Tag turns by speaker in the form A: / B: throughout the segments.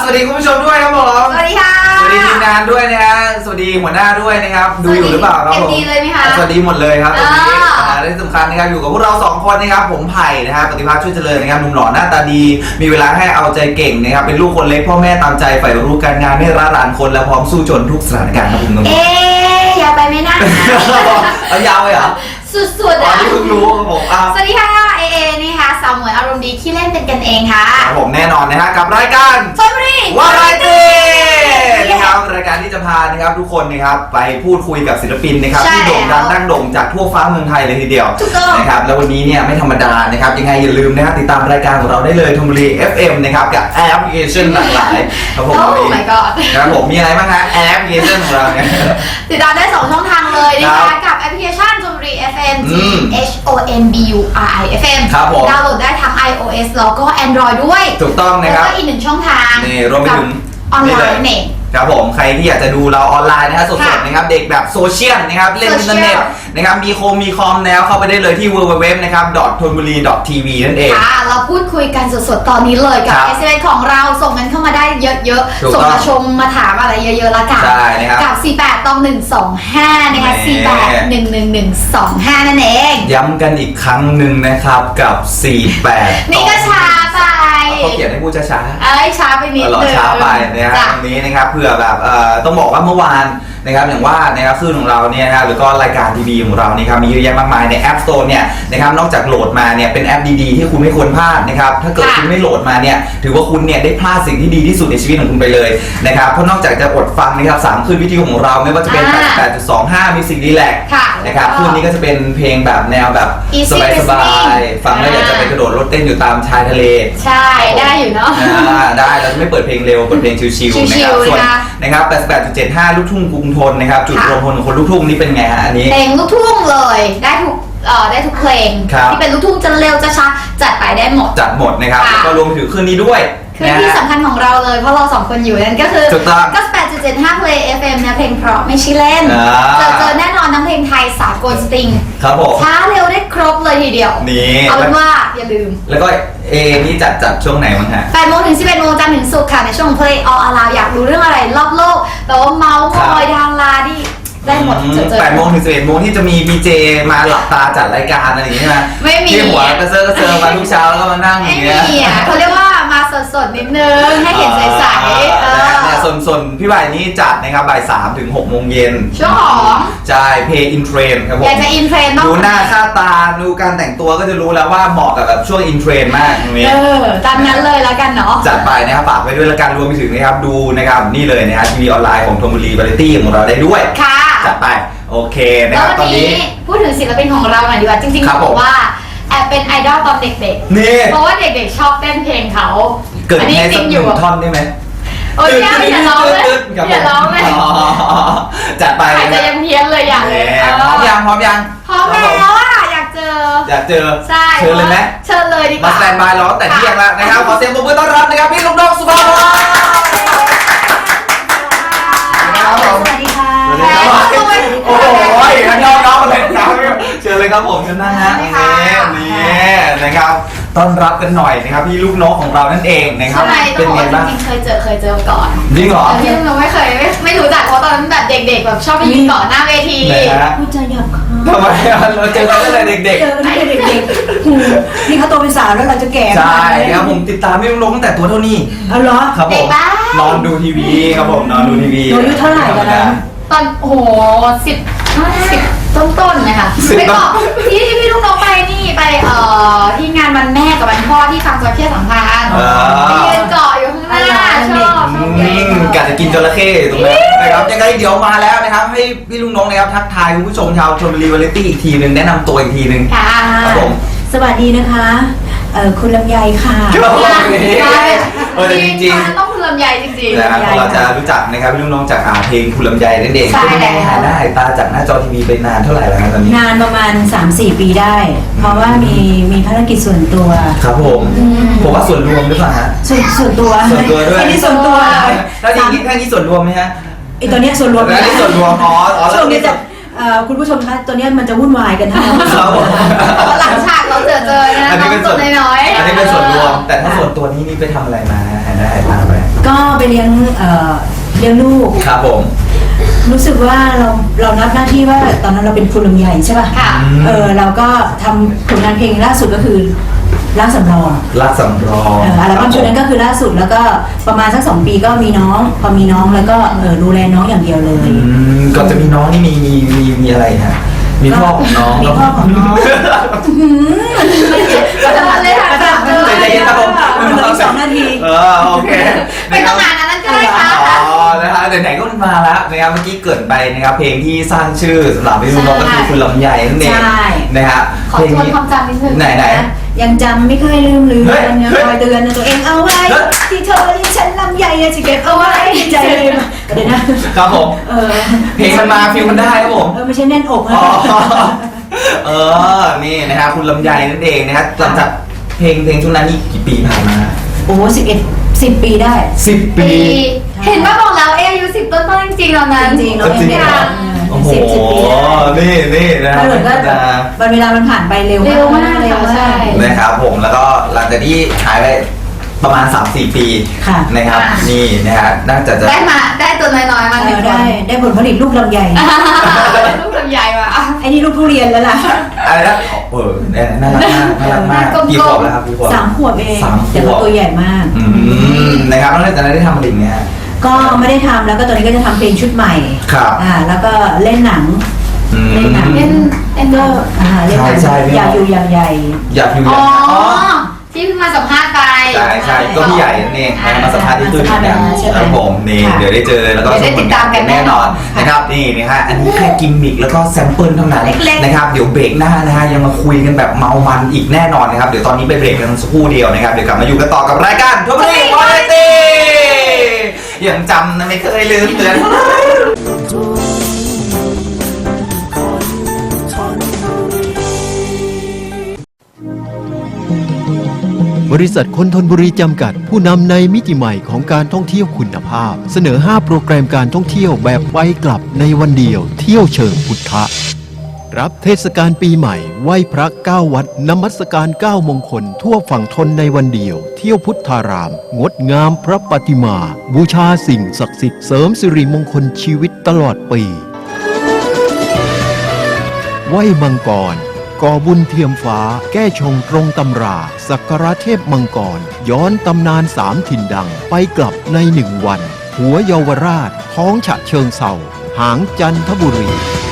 A: สวัสดีคุณผู้ชมด้วยครับผม
B: สวัสดีค่ะ
A: สวัสดีทีมงานด้วยนะฮะสวัสดีหัวหน้าด้วยนะครับดูอยู่หรือเปล่าครับผม
B: ดีเลยไหมคะ
A: สวัสดีหมดเลยครับตรงนี้และที่สำคัญนะครับอยู่กับพวกเรา2คนนะครับผมไผ่นะฮะปฏิภาณช่วยเจริญนะครับหนุ่มหล่อหน้าตาดีมีเวลาให้เอาใจเก่งนะครับเป็นลูกคนเล็กพ่อแม่ตามใจใฝ่รู้การงานไม่ร้าหลานคนและพร้อมสู้จนทุกสถานการณ์ครับผมน้อง
B: ยาวไปไหมนะ
A: เอายาวเลยเหรอ
B: สุดๆ
A: อ่ะที่เพิ่งรู้ครับผม
B: สวัสดีค่ะเอนี่ค่ะสาวหมวยอารมณ์ดีขี้เล่นเป็นกันเองค่ะ
A: ครับผมแน่นอนนะฮะกับรายการ
B: ชลบุรี
A: วาไรตี้นะครับรายการที่จะพานะครับทุกคนนะครับไปพูดคุยกับศิลปินนะครับที่โด่งดังดั้งโด่งจากทั่วฟ้าเมืองไทยเลยทีเดียวนะครับแล้ววันนี้เนี่ยไม่ธรรมดานะครับยังไงอย่าลืมนะครับติดตามรายการของเราได้เลยชลบุรี FM นะครับกับแอปพลิเคชันหลากหลายครับผมครับผมมีอะไรบ้างฮะแอปพลิเคชันของเราเนี่ย
B: ติดตามได้2ช่องทางเลยนะคะกับแอปพลิเคชันชลบุรี FM HONBURI-FM ดาวน์โหลดได้ทั้ง iOS แล้วก็ Android ด้วย
A: ถูกต้องนะครับ
B: แล้วก็อีก1ช่องทาง
A: นี่รวมไปถึง
B: ออนไลน์เนี่ย
A: ครับผมใครที่อยากจะดูเราออนไลน์นะฮะสดๆนะครับเด็กแบบโซเชียลนะครับเล่นอินเทอร์เน็ตนะครับมีคอมแล้วเข้าไปได้เลยที่ www นะครับ .thonburi.tv นั่นเอง
B: ค่ะเราพูดคุยกันสดๆตอนนี้เลยกับ SMS ของเราส่งกันเข้ามาได้เยอะๆส่งมาชมมาถามอะไรเยอะๆละกันกับ48-125นะคะ48-11125นั่นเอง
A: ย้ำกันอีกครั้งหนึ่งนะครับกับ48
B: นี่ก็ช้าไป
A: เขาเขียนให้พูดช้า
B: ช้าไปนิดนึง
A: ช้าไปนะครับตรงนี้นะครับเผื่อแบบต้องบอกว่าเมื่อวานนะครับอย่างว่านะครับคลื่นของเราเนี่ยนะหรือก็รายการทีวีของเรานี่ครับมีเยอะแยะมากมายใน App Store เนี่ยนะครับนอกจากโหลดมาเนี่ยเป็นแอปดีๆที่คุณไม่ควรพลาดนะครับถ้าเกิดคุณไม่โหลดมาเนี่ยถือว่าคุณเนี่ยได้พลาดสิ่งที่ดีที่สุดในชีวิตของคุณไปเลยนะครับเพราะนอกจากจะอดฟังนะครับ3คลื่นวิทยุของเราไม่ว่าจะเป็น 88.25 Music Relax นะครับคลื่นนี้ก็จะเป็นเพลงแบบแนวแบบสบายๆฟังแล้วอยากจะไปกระโดดรถเต้นอยู่ตามชายทะเล
B: ใช่ได้อยู่เนาะ
A: ได้เราจะไม่เปิดเพลงเร็วเปิดเพลงชิลๆนะครับส่วนนะครับ 88.75 ลูกทุ่งกรุงทนนะครับจุดรวมพลของคนลูกทุ่งนี่เป็นไงฮะอันนี้
B: เพลงลูกทุ่งเลยได้ทุกเพลงที่เป็นลูกทุ่งจะเร็วจะช้าจัดไปได้หมด
A: จัดหมดนะครับแล้วก็รวมถึงคืนนี้ด้วย
B: คือที่สำคัญของเราเลยเพราะเรา2คนอยู่นั่นก็คือ98.75 Play FM นะเพลงเพราะไม่ใช่เล่นเจอแน่นอนทั้งเพลงไทยสากลสตริง
A: ครับผม
B: ช้าเร็วได้ครบเลยทีเดียว
A: นี่
B: เอาเป็นว่าอย่าลืม
A: แล้วก็นี่จัดช่วงไหนมั้งฮะ
B: 8 โมงถึง 11 โมงจันทร์ถึงศุกร์ค่ะในช่วง Play All Around อยากรู้เรื่องอะไรรอบโลกแต่ว่าเมาส์มอยดาราที่ได้หมด
A: 8 โมงถึง 11 โมงที่จะมีพีเจมาหลับตาจัดรายการอะไรอย่างนี้ใช่ไหม
B: ไม่มี
A: ที่หัวกระเซอมาทุกเช้าแล้วก็มานั่งอย่างเงี้ย
B: ไม่มีอ่ะเขาเรียกว่ามาสดๆนิดนึงให้เห็นใสๆ
A: เนี่ยส่วนพี่บ่ายนี่จัดนะครับบ่าย3 ถึง 6 โมงเย็น
B: ช่วงของ
A: ใช่เพย์อินเทรนครับผม
B: อยากจะอินเทรน
A: ดูหน้าค่าตาดูการแต่งตัวก็จะรู้แล้วว่าเหมาะกับแบบช่วงอินเทรนมากตรงนี้
B: ตามนั้นเลยแล้วกันเนาะ
A: จัดไปนะครับฝากไว้ด้วยแล้วกันรวมไปถึงนะครับดูนะครับนี่เลยนะครับทีวีออนไลน์ของธนบุรีวาไรตี้ของเราได้ด้วย
B: ค่ะ
A: จัดไปโอเคนะครับตอนนี้
B: พูดถึงศิลปินของเราหน่อยดีกว่าจริงๆบอกว่าแอบเป็นไอดอลตอนเด็กๆ
A: นี่
B: เพราะว่าเด็กๆชอบเต้นเพลงเขา
A: เกิดให้สักหนึ่งท่อนได้ไหม
B: โอ้ยอย่าร้องเลยอย่าร้องเลย
A: จัดไป
B: อาจจะยังเพี้ยนเลยอย่างเลย
A: พร้อมยัง
B: พร้อมแล้วอ่ะอยากเจอใช่
A: เชิญเลยไหม
B: เชิญเลยดีกว่า
A: มาสแตนบายรอแต่เที่ยงแล้วนะครับขอเสียงปรบมือต้อนรับนะครับพี่ลูกน้องสุภาพร
B: สวัสดีค่ะ
A: โอ้ยน้องมาเลยครับเชิญเลยครับผมเชิญนั่งฮะนี่นะครับต้อนรับกันหน่อยนะครับพี่ลูกน้องของเรานั่นเองนะครับ
B: เป็นไงบ้างจริงๆเคยเจอก่อน
A: จริงเหรอ
B: พี่เราไม่เคยไม่รู้จักเพราะตอนนั้นแบบเด็กๆแบบชอบไปยืนก่อนหน้าเวที
C: พูดจาหยาบคาย
A: ทำไมเราเจอกันตั้งแต่เด็กๆ
C: เจอกันตั้งแต่เด็กๆนี่เขาโตเป็นสาวแล้วเราจะแก่
A: ใช่ครับผมติดตามพี่ลูกน้องตั้งแต่ตัวเท่านี้
C: เอาเหรอ
A: ครับผมนอนดูทีวีครับผมนอนดูทีวี
C: อายุเท่าไหร่กันนะ
B: ตอนโอ้โห10 ต้นๆนะคะไปบอกที่พี่ลูกน้องไปนี่ไปที่งานวันแม่กับวันพ่อที่ฟังจระเข้สัมพันธ์ไปยืนเกาะอยู่ข้างหน้าชอบ
A: กะจะกินจระเข้ตรงนั้นนะครับยังไงเดี๋ยวมาแล้วนะครับให้พี่ลูกน้องนะครับทักทายคุณผู้ชมชาวชลบุรีวาไรตี้อีกทีนึงแนะนำตัวอีกทีนึงครับผม
C: สวัสดีนะคะคุณลำไยค่ะ
A: จริง
B: ๆต้องคุณลำไยจริง
A: ๆนะครับเราจะรู้จักนะครับพี่ลูกน้องจากเพลงคุณลำไยนั่นเอง
B: เป็นไง
A: หาหน้าตาจากหน้าจอทีวีไปนานเท่าไหร่แล้วตอนนี้
C: นานประมาณ 3-4 ปีได้เพราะว่ามีภารกิจส่วนตัว
A: ครับผมว่าส่วนรวมหรือเปล่าฮะ
C: ส่วนตัว
A: ด้วย
C: อันนี้ส่วนตัว
A: แล้วจริงๆแค่นี้ส่วนรวมไหมฮะ
C: ไอตัวเนี้ยส่วนรวม
A: อันนี้ส่วนรวม
C: ช่วงนี้จะคุณผู้ชมคะตัวนี้มันจะวุ่นวายกันทั้ง
A: ครับผม
B: หลังฉากเราเจอนะ
A: อันนี้เป็นส่วนน้อยอันนี้เป็นส่วนรวมแต่ถ้าส่วนตัวนี้ไปทำอะไรมาหายได้หายตาไป
C: ก็ไปเลี้ยงลูก
A: ครับผม
C: รู้สึกว่าเรารับหน้าที่ว่าตอนนั้นเราเป็นครูลำใหญ่ใช่ป่ะ
B: ค่ะ
C: เราก็ทำผลงานเพลงล่าสุดก็คือรักสำรอง
A: รักสำรอง
C: อัลบั้มชุดนั้นก็คือล่าสุดแล้วก็ประมาณสัก2 ปีก็มีน้องพอมีน้องแล้วก็ดูแลน้องอย่างเดียวเลย
A: ก่อนจะมีน้องนี่มีอะไรฮะมีพ่อของน้อง
C: มีพ่อของน้อง
B: ก็จะมาเลยค่ะ
A: ใจเย็นครับผม
C: มันเหลืออีก2 นาที
A: โอเค
B: ไม่ต้องงานนั้นก็ได้ค่ะ
A: อ๋อนะคะไหนๆก็มาแล้วนะครับเมื่อกี้เกริดไปนะครับเพลงที่สร้างชื่อสำหรับพี่นุ่นก็คือคุณลำไยนั่นเอง
C: ใช่
A: นะครับ
B: ขอทวนความจำนิดนึง
A: ไหน
C: ยังจำไม่เคยลืม
A: เฮ้ย
C: ยังคอยเตือนตัวเองเอาไว้
A: เฮ้ย
C: ที่เธอเรียกฉันลำใหญ่จะเก็บเอาไว้ในใจเลยมาเดี๋ยวนะครับ
A: ผมเพลงมันมาฟิลมันได้ครับผม
C: ไม่ใช่แน่นอก
A: อ๋
C: นะ
A: อนี่นะครับคุณลำไยนั่นเองนะครับหลังจากเพลงช่วงนั้นนี่กี่ปีผ่านมา
C: โอ้10 ปีได้
A: 10 ปี
B: เห็นว่าบอกแล้วอายุ10 ต้นๆจริงๆแล้วนั้น
C: จริงๆเรา
A: จริง
C: เอง
A: เหรอ โอ้โห
C: 10 ปีได้
A: นี่นะค
C: ถ้า
A: รับ
C: เกิดว่าวันเวลามันผ่านไปเร็ว
B: เร็วมาก
C: เร็ว
B: ค่ะใช่
A: นะครับผมแล้วก็หลังจากที่หายไปประมาณ 3-4 ปี
C: ค่ะ
A: นะครับ
B: ค่ะ
A: นี่นะฮะน่าจะ
B: ได้ตัวน้อยๆมาหนึ่งคน
C: ได้ผลผลิตลูกลำใหญ่
B: ลูกลำไยว่ะ
C: ไอ้นี่ลูกทุเรียนแล้วล่ะ
A: อะไรนะน่ารักมากน่ารักมาก
B: กลมๆ
A: กี่ขวบแล้วครับกี่ขวบ
C: 3 ขวบเอง
A: 3 ข
C: แต่
A: ว
C: ว่า
A: บ
C: ตัวใหญ่มาก
A: นะครับแล้วจากนั้นได้ทำอะไรอีกไหมฮะ
C: ก็ไม่ได้ทำแล้วก็ตอนนี้ก็จะทำเพลงชุดใหม่
A: ครับ
C: แล้วก็เล่นหนัง เล่นหนัง
B: เล่นเลิก
C: เล่นหนัง
A: ใช่พี่
C: อยากอยู่อย่างใหญ่
A: อยากอยู่
B: อ๋
A: อ
B: อ
A: ย่าง
B: ที่เพิ่งมาสัมภาษณ์ไป
A: ใช่ก็พี่ใหญ่นั่นเองมาสัมภาษณ์ที่ตู้ดินกันครับผมนี่เดี๋ยวได้เจอแล้วก็
B: เดี๋ยวได้ติดตามกันแน่นอน
A: นะครับนี่นะฮะอันนี้แค่กิมมิกแล้วก็แซมเปิลเท่านั้น
B: เล็กๆ
A: นะครับเดี๋ยวเบรกหน้านะฮะยังมาคุยกันแบบเมามันอีกแน่นอนนะครับเดี๋ยวตอนนี้ไปเบรกกันสักครู่เดียวนะครับเดี๋ยวกลับมาอยู่กันต่อกับรายการทุบรีวาไรตี้ยังจำนะไม่เคยลืมเตือน
D: บริษัทคนทนบุรีจำกัดผู้นำในมิติใหม่ของการท่องเที่ยวคุณภาพ เสนอ 5 โปรแกรมการท่องเที่ยวแบบไปกลับในวันเดียวเที่ยวเชิงพุทธะรับเทศกาลปีใหม่ไหว้พระ9 วัดนมัสการ9 มงคลทั่วฝั่งทนในวันเดียวเที่ยวพุทธาราม งดงามพระปฏิมา บูชาสิ่งศักดิ์สิทธิ์เสริมสิริมงคลชีวิตตลอดปีไหว้มังกรก่อบุญเทียมฟ้าแก้ชงตรงตำราสักการะเทพมังกรย้อนตำนาน3 ถิ่นดังไปกลับใน1 วัน หัวเยาวราชท้องฉะเชิงเทราหางจันทบุรี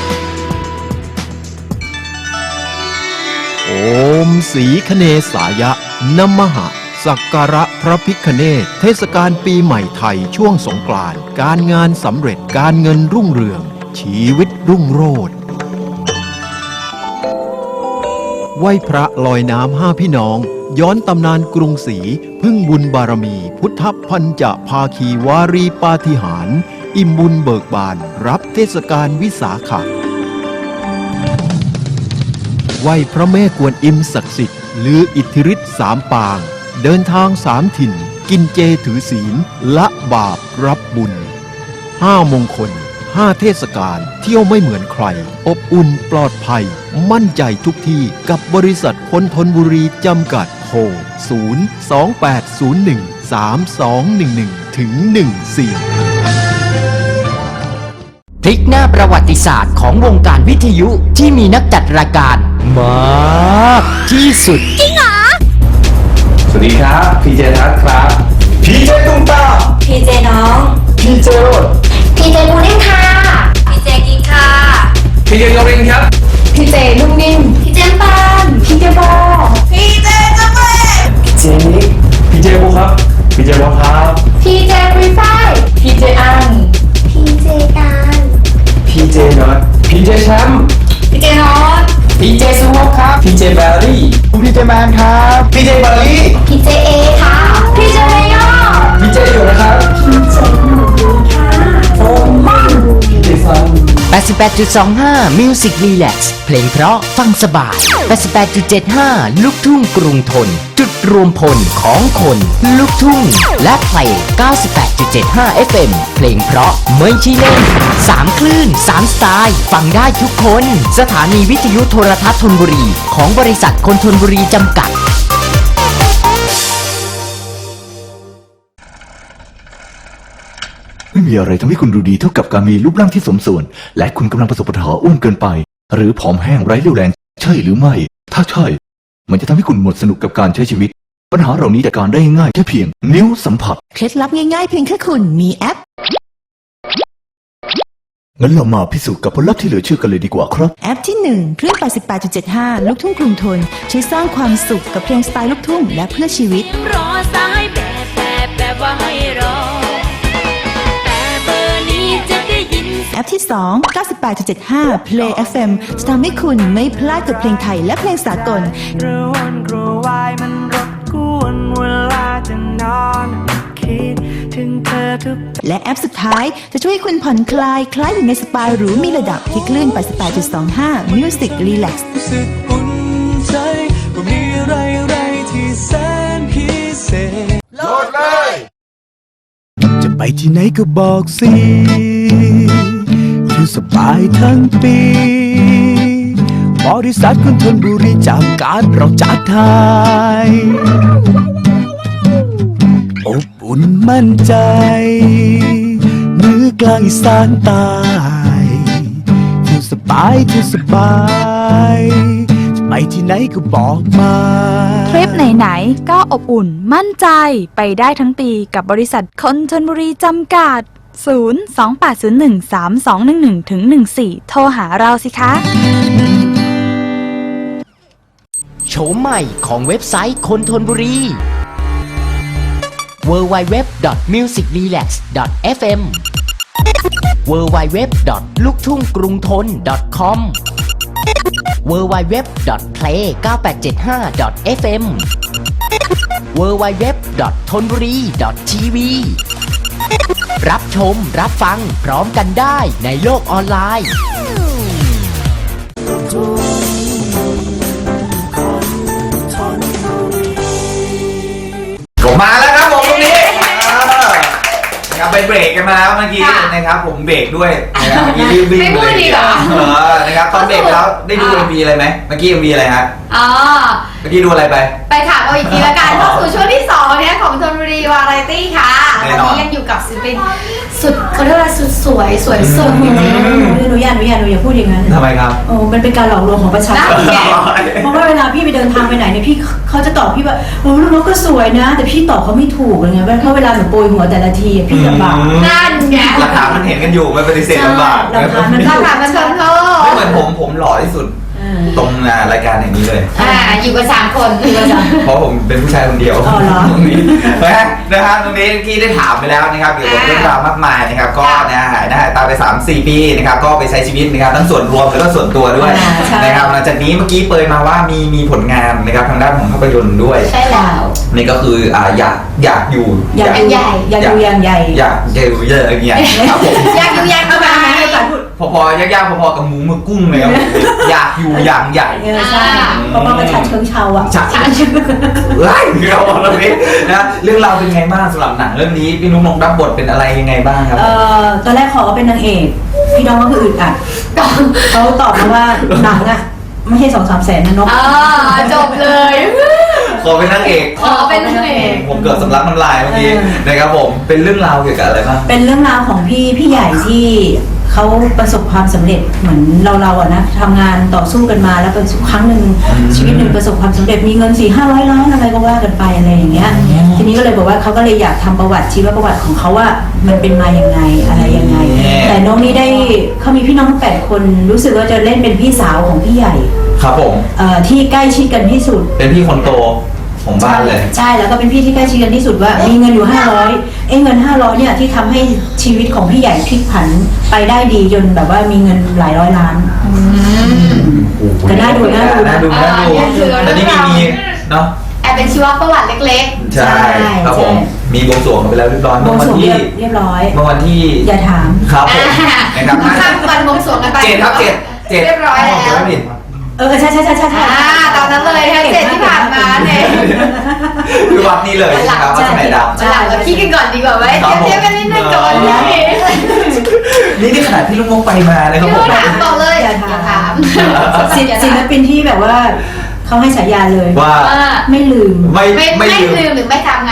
D: โอมสีคเนสายะนมหะสักการะพระพิฆเนศเทศกาลปีใหม่ไทยช่วงสงกรานต์การงานสำเร็จการเงินรุ่งเรืองชีวิตรุ่งโรจน์ไหว้พระลอยน้ำ5 พี่น้องย้อนตำนานกรุงศรีพึ่งบุญบารมีพุทธพันจะภาคีวารีปาฏิหาริย์อิ่มบุญเบิกบานรับเทศกาลวิสาขะไหว้พระแม่กวนอิมศักดิ์สิทธิ์ลืออิทธิฤทธิ์3 ปางเดินทาง3 ถิ่นกินเจถือศีลละบาปรับบุญ5 มงคล5 เทศกาลเที่ยวไม่เหมือนใครอบอุ่นปลอดภัยมั่นใจทุกที่กับบริษัทคนทนบุรีจำกัดโทร028013211ถึง14
E: พลิกหน้าประวัติศาสตร์ของวงการวิทยุที่มีนักจัดรายการมากที่สุด
A: สวัสดีครับพีเจทัศน์ครับพีเจตุ้มตาม
C: พีเจน้อง
A: พีเจโรด
B: พีเจบูนิ่งค่ะ
C: พีเจกินค่ะ
A: พีเจโรรินครับ
B: พีเจนุ่มนิ่มพีเจปานพีเจโบพีเจกาแฟ
A: พีเจนิกพีเจโบครับพีเจโบครับ
B: พีเจรีไฟพีเจอันพีเจการ
A: พีเจน็อตพีเจแชมป์
B: พีเจนอต
E: พีเจสวอปครับ
A: พีเจแบรี่พีเจแมนครับพีเจบารี่
B: พีเจเอค่ะพีเจเมยอ
A: พีเจอยู่นะครับพีเจหนูค่ะโฟมันพีเจซัน
E: 88.25 Music Relax เพลงเพราะฟังสบาย 88.75 ลูกทุ่งกรุงทน จุดรวมพลของคนลูกทุ่ง และเพลง 98.75 FM เพลงเพราะไม่ใช่เล่น 3 คลื่น 3 สไตล์ ฟังได้ทุกคน สถานีวิทยุโทรทัศน์ธนบุรี ของบริษัทคนทนบุรีจำกัด
F: มีอะไรทำให้คุณดูดีเท่ากับการมีรูปร่างที่สมส่วน และคุณกำลังประสบปัญหาอ้วนเกินไป หรือผอมแห้งไร้เรี่ยวแรงใช่หรือไม่ ถ้าใช่ มันจะทำให้คุณหมดสนุกกับการใช้ชีวิต ปัญหาเหล่านี้จัดการได้ง่ายแค่เพียงนิ้วสัมผัส
G: เคล็ดลับง่ายๆเพียงแค่คุณมีแอป
F: งั้นเรามาพิสูจน์กับผลลัพธ์ที่เหลือเชื่อกันเลยดีกว่าครับ
G: แอปที่ 1 เครื่อง 88.75 ลูกทุ่งกรุงทนช่วยสร้างความสุขกับเพลงสไตล์ลูกทุ่งและเพื่อชีวิต
H: รอสายแบบว่าให้รอ แต่เบอร์นี้จะได้ยิน
G: แอปที่ 2 98.75 Play FM จะทำให้คุณไม่พลาดกับเพลงไทยและเพลงสากล
I: กระวนกระวายมันรบกวนเวลาจะนอนคิดถึงเธอทุก
G: และแอปสุดท้ายจะช่วยให้คุณผ่อนคลายคล้ายอยู่ในสปาหรูมีระดับที่คลื่น 88.25 Music Relax
I: รู้สึกอุ่นใจว่ามีอะไรที่แสนพิเศษโลดเลยจะไปที่ไหนก็บอกสิอยู่สบายทั้งปีบริษัทคนทนบุรีจากการเราจัดไทยอบอุ่นมั่นใจเหนือกลางอีสานใต้อยู่สบายจะไปที่ไหนก็บอกมา
J: ทริปไหนๆก็อบอุ่นมั่นใจไปได้ทั้งปีกับบริษัทคนชลบุรีจำกัด 028013211-14 โทรหาเราสิคะ
E: โฉมใหม่ของเว็บไซต์คนทนบุรี www.musicrelax.fm www.luktunggrungthon.com www.play9875.fm www.thonburi.tv รับชมรับฟังพร้อมกันได้ในโลกออนไลน์
A: ผมมาแล้วครับผมตรงนี้นะครับไปเบรกกันมาแล้วเมื่อกี้นะครับผมเบรกด้วยนะครับเมื่อกี้รีบวิ่ง
B: ไม่พู
A: เล
B: ด
A: ย
B: ดีเหรอ
A: นะครับตอนเบรกแล้วได้ดู MV อะไรไหมเมื่อกี้ MV อะไรฮะ
B: อ๋อ
A: เมื่อกี้ดูอะไรไป
B: ไปถามเอาอีกทีละกันเข้าสู่ช่วงที่2เนี่ยของธนบุรีวาไรตี้ค่ะ
A: แน่
B: วัน
A: นอน
B: นี้ยังอยู่กับศิลปินสุดเขาเรียกว่าสุดสวยสวยสุดจริง
C: หนูอย่าพูดอย่างนั้น
A: ทำไมครับ
C: โอ้มันเป็นการหลอกลวงของประชาชน
B: นั่นไง
C: เพราะว่าเวลาพี่ไปเดินทางไปไหนเนี่ยพี่เขาจะตอบพี่ว่าโอ้ลูกนกก็สวยนะ แต่พี่ตอบเขาไม่ถูกเลยไงเพราะเวลาหนูโปรยหัวแต่ละทีอะพี่ลำบาก
B: ๆนั่นไง
A: หลักฐานมันเห็นกันอยู่มันปฏิเสธลำบาก
C: หลักฐานมัน
B: เราถามมาชนเขา
A: ไม่เหมือนผมหล่อที่สุดตรงรายการอย่างนี้เลย
B: อยู่กับ3 คน
A: เพราะผมเป็นผู้ชายคนเดียว
C: อ๋อเหรอ
A: ตรงนี้นะฮะตรงนี้ที่ได้ถามไปแล้วนะครับเกี่ยวกับเรื่องราวมากมายนะครับก็นะหายหน้าหายตาไป 3-4 ปีนะครับก็ไปใช้ชีวิตนะครับทั้งส่วนรวมแล้วก็ส่วนตัวด้วยนะครับหลังจากนี้เมื่อกี้เปิดมาว่ามีผลงานนะครับทางด้านของภาพยนตร์ด้วย
B: ใช่แล้ว
A: นี่ก็คืออยากอยู่
C: อยากดูอย่างใหญ่
A: อยากอยู่เยอะอย่างเงี้ยครับผม
B: อยากอยู่อยากเข้ามา
A: พอยากๆพอๆกับหมูมือกุ้งเลยครับอยากอยู่อย่างใหญ่
C: ใช่เพราะว่าประชาชนชาวอ่ะ
A: จัดไล่เราเรื่องนี้นะเรื่องราวเป็นไงบ้างสำหรับหนังเรื่องนี้พี่นุ๊กนงรับบทเป็นอะไรยังไงบ้างครับ
C: ตอนแรกขอเป็นนางเอกพี่น้องก็คืออึดอัดเขาตอบมาว่าหนังอ่ะไม่ใช่2-3 แสนนะนก
B: จบเลย
A: ขอเป็นนางเอก
B: ขอเป็นนางเอก
A: ผมเกิดสำลักน้ำลายเมื่อกี้นะครับผมเป็นเรื่องราวเกี่ยวกับอะไรบ้าง
C: เป็นเรื่องราวของพี่ใหญ่ที่เขาประสบความสำเร็จเหมือนเราอะนะทำงานต่อสู้กันมาแล้วเป็นครั้งหนึ่งชีวิตหนึ่งประสบความสำเร็จมีเงิน400-500 ล้านอะไรก็ว่ากันไปอะไรอย่างเงี้ยทีนี้ก็เลยบอกว่าเขาก็เลยอยากทำประวัติชีวประวัติของเขาว่ามันเป็นมาอย่างไงอะไรยังไงแต่น้องนี่ได้เขามีพี่น้อง8 คนรู้สึกว่าจะเล่นเป็นพี่สาวของพี่ใหญ่
A: ครับผม
C: ที่ใกล้ชิดกันที่สุด
A: เป็นพี่คนโตของบ้านเลย
C: ใช่แล้วก็เป็นพี่ที่ใกล้ชิดกันที่สุดว่ามีเงินอยู่500เงิน500เนี่ยที่ทำให้ชีวิตของพี่ใหญ่พลิกผันไปได้ดีจนแบบว่ามีเงินหลายร้อยล้านก็น่าดู
A: แต่นี่มีเนาะ
B: แอบเป็นชีวประวัติเล็ก
A: ใช่ครับผมมีบวงสรวงกันไปแล้วเรียบร้อย
C: บวงสรวงเรียบร้อย
A: เมื่อวันที่
C: อย่าถาม
A: ครับผมนะครับ
B: ข้ามวันบวงสรวงกันไป
A: 7 ครับ 7
B: เรียบร้อยแล้ว
C: ใช่
B: ตอนนั้นเลยทั้ง7ที่ผ่านมาเนี่ย
A: คือวัดนี้เลยนะครับวัดสมัยดำ
B: หลังเราคิดกันก่อนดีกว่าไหมเทียบกันนิดนึงก่อน
A: นี่ขนาดพี่ลุงมงไปมานะครับผม
B: ถามต่อเลยอย่าถาม
C: ศิลปินที่แบบว่าเขาให้ฉายาเลย
A: ว่า
C: ไม่ลืม
A: ไม่
B: ลืมหรือไม่ทำงาน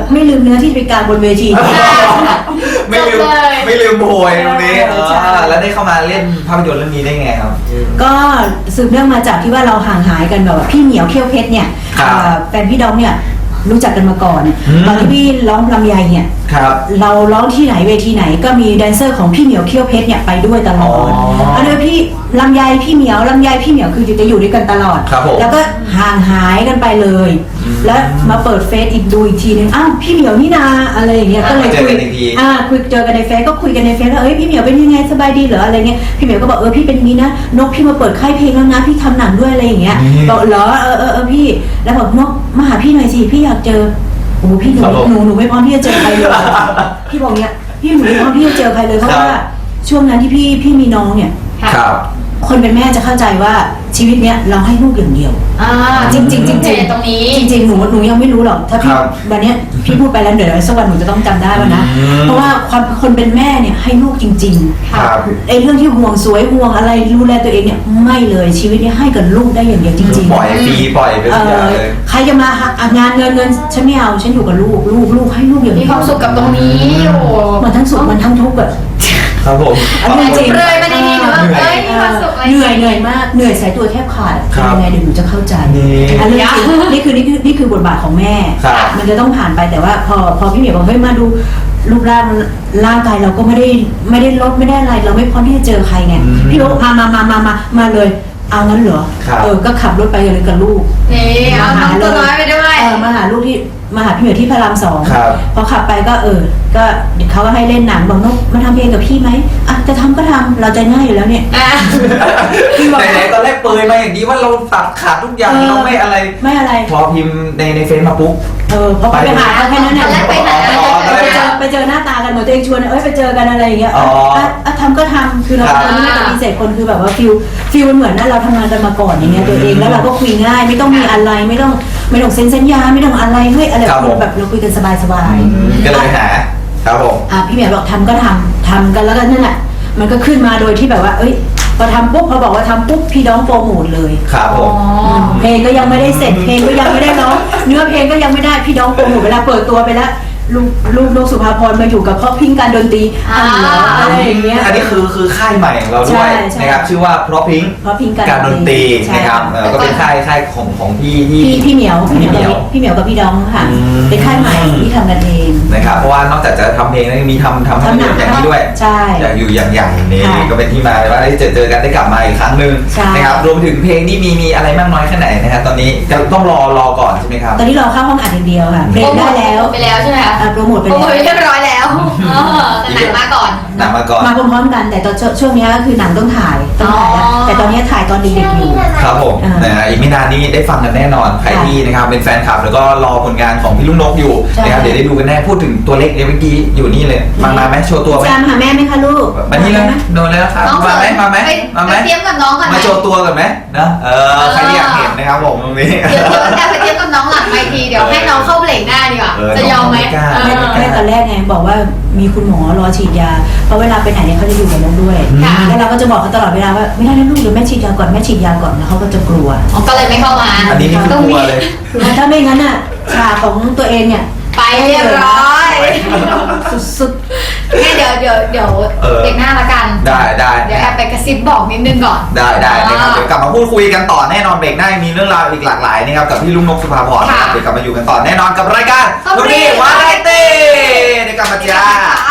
C: ไม่ลืมเนื้อที่ไปกลางบนเวที
A: ไม่ลืม
B: จบเลย
A: ไม่ลืมโพยตรงนี้
C: ใช่
A: แล้วได้เข้ามาเล่นภาพยนตร์เรื่องนี้ได้ไงครับ
C: ก็สืบเนื่องมาจากที่ว่าเราห่างหายกันแบบว่าพี่เหมียวเขี้ยวเพชรเนี่ย
A: ครับ
C: แฟนพี่ดองเนี่ยรู้จักกันมาก่อน
A: อืม
C: ตอนที่พี่ร้องลำไยเนี่ย
A: ครับ
C: เราร้องที่ไหนเวทีไหนก็มีแดนเซอร์ของพี่เหมียวเขี้ยวเพชรเนี่ยไปด้วยตลอด
A: อ๋อ
C: อันนี้พี่ลำไยพี่เหมียวลำไยพี่เหมียวคือจะอยู่ด้วยกันตลอด
A: ครับผม
C: แล้วก็ห่างหายกันไปเลย แล้วมาเปิดเฟซอีกดูอีกทีนึงอ้าวพี่เหมียวนี่นาอะไรอย่างเงี้ยก็เลย
A: เจอ
C: คุย
A: กันอีกที
C: คุยเจอกันในเฟซก็คุยกันในเฟซว่าเอ้ยพี่เหมียวเป็นยังไงสบายดีเหรออะไรเงี้ยพี่เหมียวก็บอกพี่เป็นอย่างนี้นะนกพี่มาเปิดค่ายเพลงแล้วนะพี่ทำหนังด้วยอะไรอย่างเงี้ย
A: นี่
C: บอกเหรอพี่แล้วบอกนกมาหาพี่หน่อยสิพี่อยากเจอโอ้พี่หนู
A: ครับผม
C: หนูไม่พร้อมที่จะเจอใครเลย พี่บอกเนี้ยพี่หนูไม่พร้อมที่จะเจอใครเลยเพราะว่าช่วงนั้นที่พี่มีน้องเนี่ย
A: ครับ
C: คนเป็นแม่จะเข้าใจว่าชีวิตเนี้ยเราให้ลูกอย่างเดียว จริง
B: ตรงนี้
C: จริงๆหนูยังไม่รู้หรอกถ้าพี่
A: ครับ
C: วันเนี้ยพี่พูดไปแล้วเดี๋ยวสักวันหนูจะต้องจำได้ว่านะ
A: อืม
C: เพราะว่าความคนเป็นแม่เนี่ยให้ลูกจริง
A: ครับ
C: ๆไอ้เรื่องที่ห่วงสวยห่วงอะไรดูแลตัวเองเนี่ยไม่เลยชีวิตเนี้ให้กับลูกได้อย่างเดียวจริงๆ
A: ปล่อยฟรีปล่อยไปทุกอย่างเลย
C: ใครจะมาหางานเงินฉันไม่เอาฉันอยู่กับลูกให้ลูกอย่าง
B: มี
C: เดียว
B: ความสุขกับตรงนี้โอ้โห
C: มันทั้งสุขมันทั้งทุกข์อะ
A: ครับผม
C: อันนี้จริง
B: เลยมาดีๆหนูว่าเอ้ยมีความสุขอะไร
C: เหนื่อยมากเหนื่อยสายตัวแทบขาด
A: ครับ
C: ยังไงเดี๋ยวหนูจะเข้าใจ
A: นี่
C: อันนี้จริงนี่คือบทบาทของแม่
A: ครับ
C: มันจะต้องผ่านไปแต่ว่าพอพี่เหมียวบอกเฮ้ยมาดูรูปร่างกายเราก็ไม่ได้ลดไม่ได้อะไรเราไม่พร้อมที่จะเจอใครไง
A: อืม
C: พี่บอกมาเลยเอางั้นเหรอ
A: ครับ
C: ก็ขับรถไปเลยกับลูก
B: นี่เอาน้องตัวน้อยไปด้วย
C: มาหาลูกที่มาหาพี่เหมียวที่พระราม 2
A: ครับ
C: พอขับไปก็ก็เดี๋ยวเขาก็ให้เล่นหนังบอกนกมาทำเพลงกับพี่ไหมอ่ะจะทำก็ทำเราใจง่ายอยู่แล้วเนี่ย
A: ไหนๆตอนแรกเปรยมาอย่างนี้ว่าเราตัดขาดทุกอย่างเราไม่อะไร
C: ไม่อะไร
A: พอพิมพ์ในเฟซมาปุ๊บ
C: พอไปหาเขาแค่นั้นเนี่ย
B: ตอนแรกไปหา
C: ไปเจอหน้าตากันเหมือนตัวเองชวนไปเจอกันอะไรอย่างเงี้ยทำก็ทำคือเรา
A: ครับ
C: ตอนนี้ไม่จะมีเศษคนคือแบบว่าฟิลมันเหมือนนะเราทำงานกันมาก่อนอย่างเงี้ยตัวเองแล้วเราก็คุยง่ายไม่ต้องมีอะไรไม่ต้องเซ็นสัญญาไม่ต้องอะไรเฮ้ยอะไร
A: ครับผม
C: แบบเราคุยกันสบาย
A: ก็เลยไปหาครับผม
C: พี่เหมียวบอกทำก็ทำกันแล้วก็นั่นแหละมันก็ขึ้นมาโดยที่แบบว่าเอ้ยพอทำปุ๊บพอบอกว่าทำปุ๊บพี่น้องโปรโมทเลย
A: ครับผม
C: เพลงก็ยังไม่ได้เสร็จเพลงก็ยังไม่ได้ร้องเนื้อเพลงก็ยังไม่ได้พี่น้องโปรโมทเวลาเปิดตัวไปแล้วลูกสุภาพรมาอยู่กับพ่อพิงการดนตรีอะไรอย่างเงี้ย
A: อันนี้คือค่ายใหม่ของเราด้วย
C: ใช่
A: นะครับชื่อว่าเพราะพิง
C: เพราะพิง
A: การดนตรี
C: ใช่
A: นะครับก็เป็นค่ายของพี่ที่
C: พี่เหมียว
A: พี่เหมียว
C: พี่เหมียวกับพี่ดองค่ะ
A: อืม
C: เป็นค่ายใหม่ที่ทำกันเอง
A: นะครับเพราะว่านอกจากจะทำเพลงแล้วยังมีทำภาพยนตร์อย่างนี้ด้วย
C: ใช่
A: อย่างอยู่อย่างนี้
C: ค่ะ
A: ก็เป็นที่มาว่าได้เจอกันได้กลับมาอีกครั้งหนึ่ง
C: ใช่
A: นะครับรวมถึงเพลงนี่มีอะไรมากน้อยแค่ไหนนะครับตอนนี้จะต้องรอก่อนใช่ไหมครับ
C: ตอนนี้เราเข้าห้องอัดอย่างเดียวค่ะเพลงได้แล้ว
B: ไปแล้วใช่ไหมคะ
C: โปรโมทไป
B: โอ้
C: แล้ว
B: ยเรียบร้อยแล้วแต่หนังมาก่อน
A: หนังมาก่อน
C: มาพร้อมๆกันแต่ตอนช่วงนี้ก็คือหนังต้องถ่ายแล้ว
B: อ๋อ
C: แต่ตอนนี้ถ่ายตอนเด็กๆอยู่
A: ครับผม
C: อ่าน
A: นะฮะอีกไม่นานนี้ได้ฟังกันแน่นอนใครที่นะครับเป็นแฟนคลับแล้วก็รอผลงานของพี่ลูกนกอยู่
C: ใช่
A: นะครับเดี๋ยวได้ดูกันแน่พูดถึงตัวเล็กเมื่อกี้อยู่นี่เลยมาไหมโชว์ตัวไหม
C: จามหาแม่ไหมคะลูก
A: มานี่เลยโดนแล้วครับ
B: น้อง
A: มาไหมมาไหม
B: ไป
A: มาไหม
B: ไปเตรียมกับน้องก่อนไหม
A: มาโชว์ตัวกันไหมนะใครที่อยากเห็นนะครับผมตรงนี้
B: เดี๋ยวแอบไปเตรียมกับน้องหลังไมค์ทีเดี๋ยวให้น้องเข้าเบรกหน้าดีกว่า จะยอมไหม
A: น้องไม่กล้า
C: แม่ตอนแรกไงบอกว่ามีคุณหมอรอฉีดยาเพราะเวลาไปไหนเนี่ยเขาจะอยู่กับน้องด้วย
B: ค่ะ
C: แล้วเราก็จะบอกเขาตลอดเวลาว่าไม่ได้นะลูกเดี๋ยวแม่ฉีดยาก่อนแล้วเขาก็จะกลัว
B: อ๋อก็เลยไม่เข้ามา
A: อันนี้นี่คือกลัวเลย
C: ถ้าไม่งั้นอ่ะฉากของตัวเองเนี่ย
B: ไปเรียบร้อย
C: สุด
B: งั้นเดี๋ยวเบรกหน้าละกัน
A: ได้
B: เดี๋ยวแอบไปกระซิบบอกนิดนึงก่อน
A: ได้นะครับเดี๋ยวกลับมาพูดคุยกันต่อแน่นอนเบรกหน้ายังมีเรื่องราวอีกหลากหลายนะครับกับพี่ลุงนกสุภาพรนะครับ
B: ค่ะ
A: เดี๋ยวกลับมาอยู่กันต่อแน่นอนกับรายการ
B: Top
A: ลูกนี่
B: Three
A: วาไรตี้เดี๋ยวกลับมาจ้า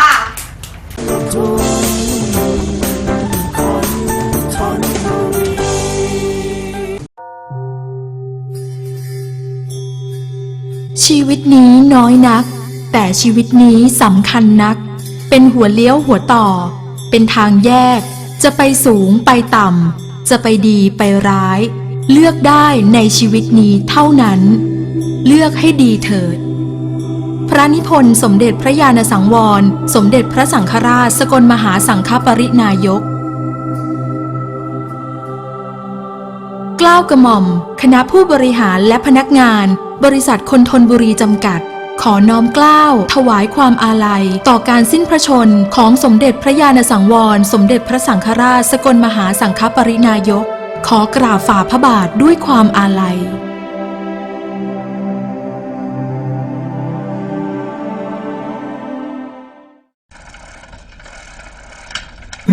J: ชีวิตนี้น้อยนัก แต่ชีวิตนี้สำคัญนัก เป็นหัวเลี้ยวหัวต่อ เป็นทางแยก จะไปสูงไปต่ำ จะไปดีไปร้าย เลือกได้ในชีวิตนี้เท่านั้น เลือกให้ดีเถิด พระนิพนธ์สมเด็จพระญาณสังวร สมเด็จพระสังฆราชสกลมหาสังฆปรินายก เกล้ากระหม่อม คณะผู้บริหารและพนักงาน บริษัทคนทนบุรีจำกัด ขอน้อมเกล้าถวายความอาลัย ต่อการสิ้นพระชนของสมเด็จพระญาณสังวร สมเด็จพระสังฆราชสกลมหาสังฆปรินายก ขอกราบฝ่าพระบาทด้วยความอาลัย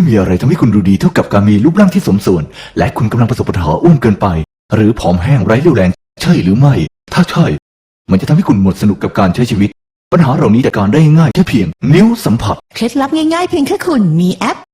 F: มีอะไรทำให้คุณดูดีเท่ากับการมีรูปร่างที่สมส่วน และคุณกำลังประสบปัญหาอ้วนเกินไป หรือผอมแห้งไร้เรี่ยวแรงใช่หรือไม่ ถ้าใช่ มันจะทำให้คุณหมดสนุกกับการใช้ชีวิต ปัญหาเหล่านี้จัดการได้ง่ายแค่เพียงนิ้วสัมผัส
G: เคล็ดลับง่ายๆเพียงแค่คุณมีแอป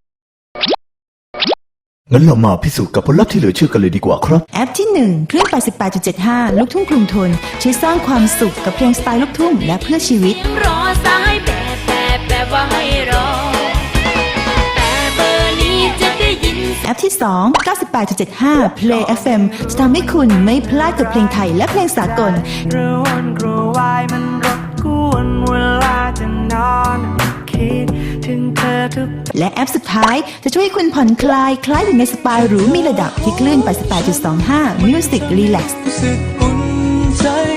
F: งั้นเรามาพิสูจน์กับผลลัพธ์ที่เหลือเชื่อกันเลยดีกว่าครับ
G: แอปที่ 1 คลื่น 88.75 ลูกทุ่งกรุงทนช่วยสร้างความสุขกับเพลงสไตล์ลูกทุ่งและเพื่อชีวิต
H: รอสายแบบว่าให้รอ แต่เบอร์นี้จะได้ยิน
G: แอปที่ 2 98.75 Play FM จะทำให้คุณไม่พลาดกับเพลงไทยและเพลงสากล
I: กระวนกระวายมันรบกวนเวลาจะนอนคิดถึงเธอทุก
G: และแอปสุดท้ายจะช่วยให้คุณผ่อนคลายคล้ายอยู่ในสปาหรูมีระดับที่คลื่น 88.25 Music Relax
I: รู้สึกอุ่นใจ